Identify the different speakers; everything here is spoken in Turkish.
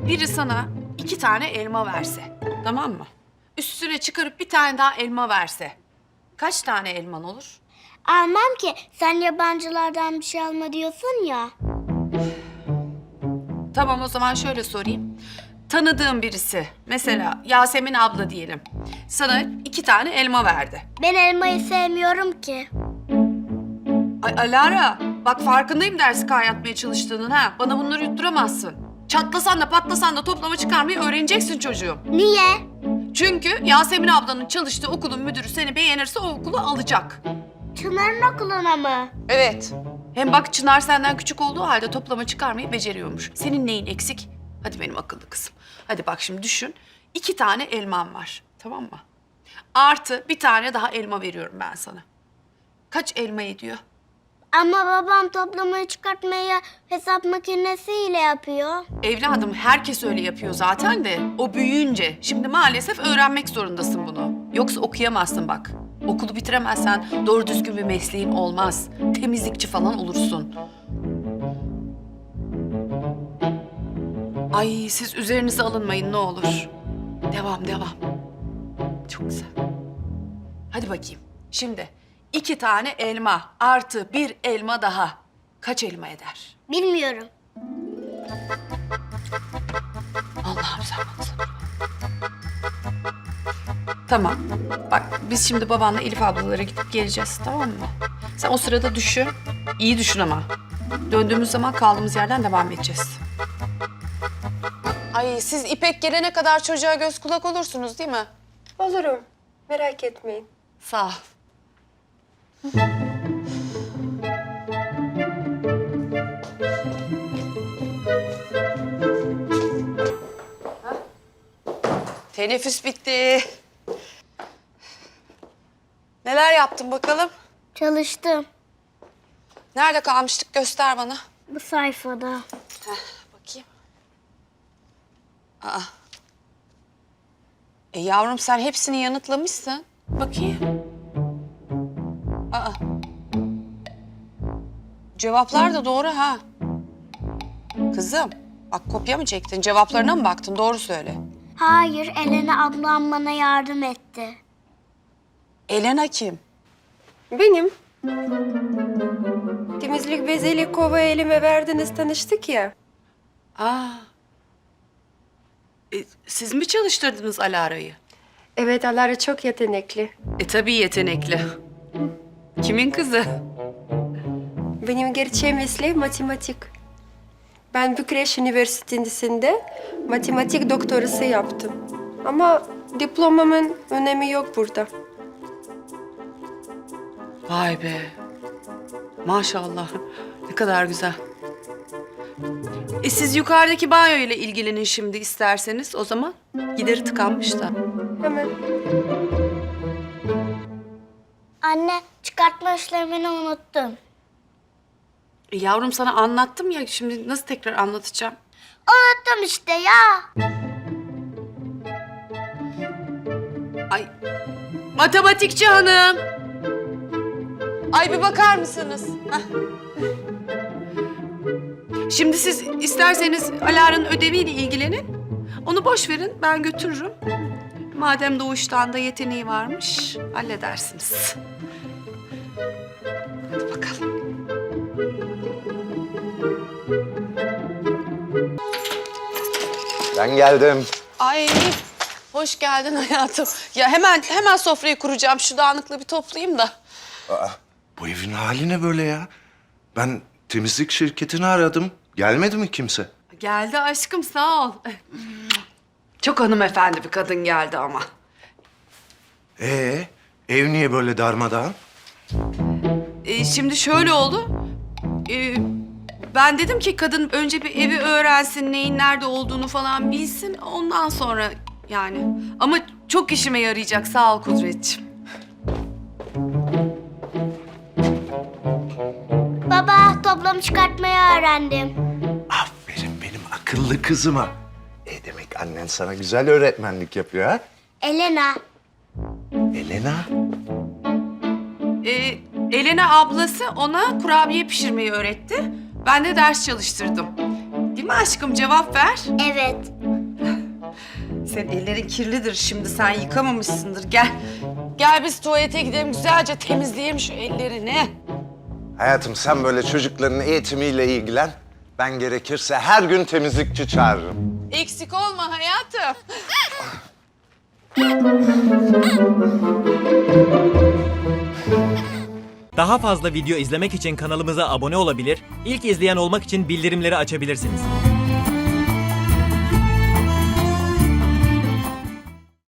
Speaker 1: biri sana 2 tane elma verse, tamam mı? Üstüne çıkarıp bir tane daha elma verse, kaç tane elman olur?
Speaker 2: Almam ki. Sen yabancılardan bir şey alma diyorsun ya.
Speaker 1: Tamam, o zaman şöyle sorayım. Tanıdığın birisi, mesela Yasemin abla diyelim, sana 2 tane elma verdi.
Speaker 2: Ben elmayı sevmiyorum ki.
Speaker 1: Ay Alara, bak farkındayım dersi kaynatmaya çalıştığının ha. Bana bunları yutturamazsın. Çatlasan da patlasan da toplama çıkarmayı öğreneceksin çocuğum.
Speaker 2: Niye?
Speaker 1: Çünkü Yasemin ablanın çalıştığı okulun müdürü seni beğenirse o okulu alacak.
Speaker 2: Çınar'ın okuluna mı?
Speaker 1: Evet. Hem bak Çınar senden küçük olduğu halde toplama çıkarmayı beceriyormuş. Senin neyin eksik? Hadi benim akıllı kızım. Hadi bak şimdi düşün. 2 tane elman var, tamam mı? Artı bir tane daha elma veriyorum ben sana. Kaç elma ediyor?
Speaker 2: Ama babam toplamayı çıkartmayı hesap makinesiyle yapıyor.
Speaker 1: Evladım herkes öyle yapıyor zaten de o büyüyünce. Şimdi maalesef öğrenmek zorundasın bunu. Yoksa okuyamazsın bak. Okulu bitiremezsen doğru düzgün bir mesleğin olmaz. Temizlikçi falan olursun. Ay siz üzerinize alınmayın ne olur. Devam. Çok güzel. Hadi bakayım. Şimdi 2 tane elma artı bir elma daha. Kaç elma eder?
Speaker 2: Bilmiyorum.
Speaker 1: Allah'ım sen bana sabır ver. Tamam. Bak biz şimdi babanla Elif ablalara gidip geleceğiz, tamam mı? Sen o sırada düşün. İyi düşün ama. Döndüğümüz zaman kaldığımız yerden devam edeceğiz. Ay siz İpek gelene kadar çocuğa göz kulak olursunuz değil mi?
Speaker 3: Olurum. Merak etmeyin.
Speaker 1: Sağ ol. Teneffüs bitti. Neler yaptın bakalım?
Speaker 2: Çalıştım.
Speaker 1: Nerede kalmıştık? Göster bana.
Speaker 2: Bu sayfada.
Speaker 1: Bakayım. Aa. Yavrum sen hepsini yanıtlamışsın. Bakayım. Aa. Cevaplar da doğru ha. Kızım, bak kopya mı çektin? Cevaplarına mı baktın? Doğru söyle.
Speaker 2: Hayır, Elena ablam bana yardım etti.
Speaker 1: Elena kim?
Speaker 3: Benim. Temizlik beziyle kova elime verdiniz, tanıştık ya.
Speaker 1: Aa. Siz mi çalıştırdınız Alara'yı?
Speaker 3: Evet, Alara çok yetenekli.
Speaker 1: Tabii yetenekli. Kimin kızı?
Speaker 3: Benim gerçeğim mesleğim matematik. Ben Bükreş Üniversitesi'nde matematik doktorası yaptım. Ama diplomamın önemi yok burada.
Speaker 1: Vay be. Maşallah. Ne kadar güzel. Siz yukarıdaki banyo ile ilgilenin şimdi isterseniz o zaman. Gideri tıkanmış da.
Speaker 3: Hemen.
Speaker 2: Anne, çıkartma işlemini unuttum.
Speaker 1: Yavrum sana anlattım ya şimdi nasıl tekrar anlatacağım?
Speaker 2: Unuttum işte ya.
Speaker 1: Ay matematikçi hanım. Ay bir bakar mısınız? Hah. Şimdi siz isterseniz Alara'nın ödeviyle ilgilenin. Onu boş verin ben götürürüm. Madem doğuştan da yeteneği varmış halledersiniz. Hadi bakalım.
Speaker 4: Ben geldim.
Speaker 1: Ay hoş geldin hayatım. Ya hemen sofrayı kuracağım. Şu dağınıklığı bir toplayayım da.
Speaker 4: Bu evin hali ne böyle ya? Ben temizlik şirketini aradım. Gelmedi mi kimse?
Speaker 1: Geldi aşkım sağ ol. Çok hanımefendi bir kadın geldi ama.
Speaker 4: Ev niye böyle darmadağın?
Speaker 1: Şimdi şöyle oldu. Ben dedim ki kadın önce bir evi öğrensin, neyin nerede olduğunu falan bilsin. Ondan sonra yani. Ama çok işime yarayacak sağ ol Kudretciğim.
Speaker 2: Baba, toplam çıkartmayı öğrendim.
Speaker 4: Aferin benim akıllı kızıma. Demek annen sana güzel öğretmenlik yapıyor ha?
Speaker 2: Elena.
Speaker 4: Elena.
Speaker 1: Elena ablası ona kurabiye pişirmeyi öğretti. Ben de ders çalıştırdım. Değil mi aşkım? Cevap ver.
Speaker 2: Evet.
Speaker 1: Senin ellerin kirlidir şimdi. Sen yıkamamışsındır. Gel. Gel biz tuvalete gidelim. Güzelce temizleyelim şu ellerini.
Speaker 4: Hayatım sen böyle çocukların eğitimiyle ilgilen. Ben gerekirse her gün temizlikçi çağırırım.
Speaker 1: Eksik olma hayatım.
Speaker 5: Daha fazla video izlemek için kanalımıza abone olabilir, ilk izleyen olmak için bildirimleri açabilirsiniz.